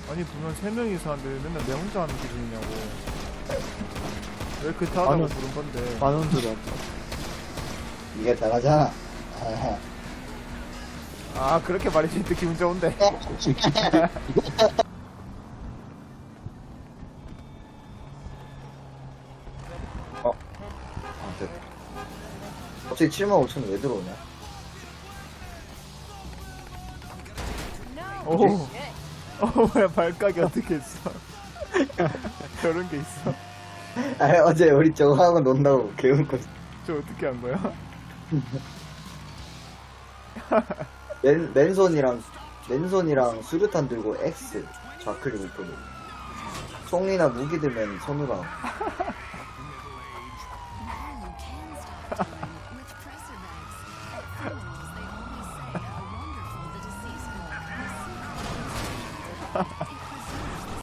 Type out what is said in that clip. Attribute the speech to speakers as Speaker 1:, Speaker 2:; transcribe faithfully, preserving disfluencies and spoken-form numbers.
Speaker 1: 아니 분명 세 명이서 하는데 맨날 내 혼자 하는 기분이냐고. 왜 그렇게 하다고
Speaker 2: 아니요.
Speaker 1: 부른 건데.
Speaker 2: 만원 들어왔다.
Speaker 3: 이게 잘하잖아. 아,
Speaker 1: 아 그렇게 말해주니까 기분 좋은데.
Speaker 3: 아, 됐다. 갑자기 칠만 오천 왜 들어오냐?
Speaker 1: 오. 어 뭐야 발각이 어떻게 했어? 저런 게 있어.
Speaker 3: 아니, 어제 우리 저거 하고 논다고 개웃고.
Speaker 1: 저 어떻게 한 거야?
Speaker 3: 맨, 맨손이랑, 맨손이랑 수류탄 들고 X. 좌클릭 우클릭. 총이나 무기 들면 손으로 하고.
Speaker 4: Ha ha ha.